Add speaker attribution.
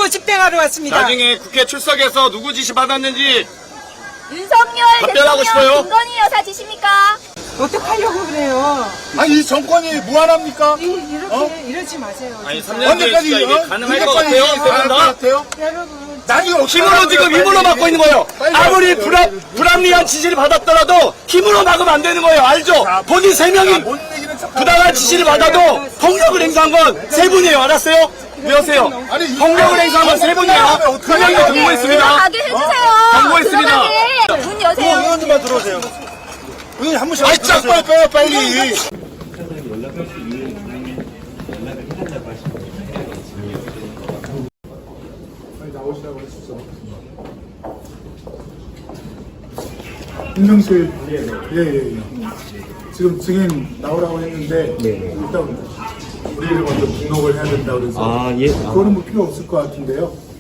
Speaker 1: 선거 집행하러 왔습니다.
Speaker 2: 나중에 국회 출석해서 누구 지시 받았는지
Speaker 3: 윤석열
Speaker 2: 답변하고 싶어요?
Speaker 3: 대통령 김건희 여사 지십니까?
Speaker 1: 어떡하려고 그래요?
Speaker 4: 아니 이 정권이 무한합니까?
Speaker 1: 이렇게 이러지 마세요.
Speaker 2: 아니
Speaker 1: 진짜.
Speaker 2: 3년 뒤에
Speaker 4: 언제까지
Speaker 2: 진짜 이게 가능할 것 같아요?
Speaker 4: 가능할 것
Speaker 2: 세분 다?
Speaker 4: 같아요?
Speaker 1: 여러분.
Speaker 4: 나중에
Speaker 2: 힘으로 지금 힘으로 막고 있는 거예요. 아무리 불합리한 지시를 받았더라도 힘으로 막으면 안 되는 거예요. 알죠? 본인 3명이
Speaker 4: 못 이기는 척
Speaker 2: 부당한 지시를 받아도 폭력을 행사한 건 3분이에요. 알았어요? 외우세요. 폭력을 행사한 건 3분이에요. 2명이 동무했습니다.
Speaker 3: 가게 해주세요.
Speaker 2: 경고했습니다.
Speaker 3: 들어가게. 문 여세요.
Speaker 4: 의원님만 들어오세요. 의원님 한 번씩. 아이 짝 빨리 빼요 빨리.
Speaker 5: 임명실 예. 지금 증인 나오라고 했는데 일단 우리를 먼저 등록을 해야 된다고 그래서 그거는 뭐 필요 없을 것 같은데요.